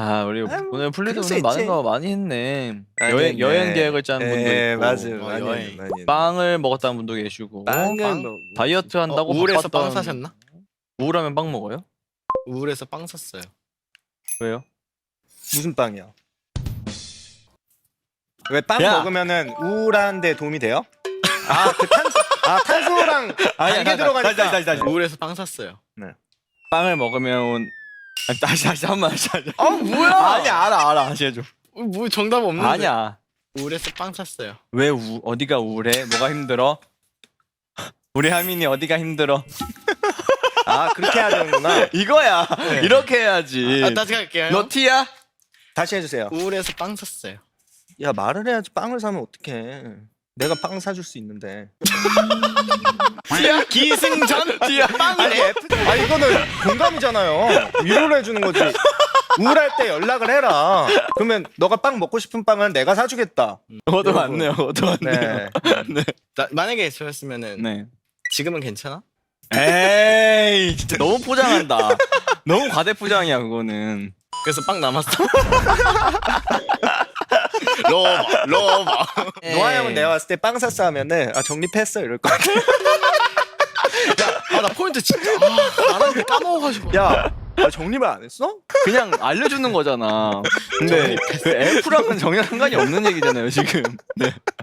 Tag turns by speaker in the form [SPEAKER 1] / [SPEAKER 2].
[SPEAKER 1] 아 우리
[SPEAKER 2] 아, 뭐,
[SPEAKER 1] 오늘 플리드
[SPEAKER 2] 그럴 수
[SPEAKER 1] 오늘 많은
[SPEAKER 2] 있지.
[SPEAKER 1] 거 많이 했네.
[SPEAKER 2] 많이
[SPEAKER 1] 여행
[SPEAKER 2] 했네.
[SPEAKER 1] 여행 계획을 짜는 분도
[SPEAKER 2] 예,
[SPEAKER 1] 있고,
[SPEAKER 2] 맞아요. 많이
[SPEAKER 3] 여행.
[SPEAKER 2] 했네, 많이 했네.
[SPEAKER 1] 빵을 먹었다는 분도 계시고,
[SPEAKER 2] 빵을
[SPEAKER 3] 빵?
[SPEAKER 2] 먹
[SPEAKER 1] 다이어트 한다고
[SPEAKER 3] 우울해서
[SPEAKER 1] 바빴던-
[SPEAKER 3] 빵 사셨나?
[SPEAKER 1] 우울하면 빵 먹어요?
[SPEAKER 3] 우울해서 빵 샀어요.
[SPEAKER 1] 왜요?
[SPEAKER 2] 무슨 빵이야? 왜 빵
[SPEAKER 1] 야!
[SPEAKER 2] 먹으면은 우울한데 도움이 돼요? 탄소랑 단계 들어가니까.
[SPEAKER 3] 우울해서 빵 샀어요.
[SPEAKER 1] 빵을 먹으면 아니, 다시 한 번 다시.
[SPEAKER 3] 아 뭐야?
[SPEAKER 1] 아니 알아 다시 해줘.
[SPEAKER 3] 뭐 정답 없는데.
[SPEAKER 1] 아니야.
[SPEAKER 3] 우울해서 빵 샀어요.
[SPEAKER 1] 왜 어디가 우울해? 뭐가 힘들어? 우리 하민이 어디가 힘들어?
[SPEAKER 2] 아, 그렇게 해야 되는구나.
[SPEAKER 1] 이거야. 이렇게 해야지.
[SPEAKER 3] 다시 갈게요.
[SPEAKER 1] 너 T야?
[SPEAKER 2] 다시 해주세요.
[SPEAKER 3] 우울해서 빵 샀어요.
[SPEAKER 2] 야, 말을 해야지. 빵을 사면 어떡해. 내가 빵 사줄 수 있는데.
[SPEAKER 3] T야? 기승전? T야? 빵이래?
[SPEAKER 2] 아니, 이거는 공감이잖아요. 위로를 해주는 거지. 우울할 때 연락을 해라. 그러면 너가 빵 먹고 싶은 빵은 내가 사주겠다.
[SPEAKER 1] 그것도
[SPEAKER 2] 여러분.
[SPEAKER 1] 맞네요. 그것도 맞네요.
[SPEAKER 2] 네.
[SPEAKER 3] 만약에 저였으면은
[SPEAKER 1] 네.
[SPEAKER 3] 지금은 괜찮아?
[SPEAKER 1] 에이 진짜 너무 포장한다. 너무 과대 포장이야 그거는.
[SPEAKER 3] 그래서 빵 남았어. 러버.
[SPEAKER 2] 노아 형은 내가 봤을 때 빵 샀어 하면은 정립했어 이럴 것 같아.
[SPEAKER 3] 나 포인트 진짜 안 하는데 까먹어가지고.
[SPEAKER 2] 야, 정립을 안 했어?
[SPEAKER 1] 그냥 알려주는 거잖아. 근데 그 F랑은 전혀 상관이 없는 얘기잖아요 지금. 네.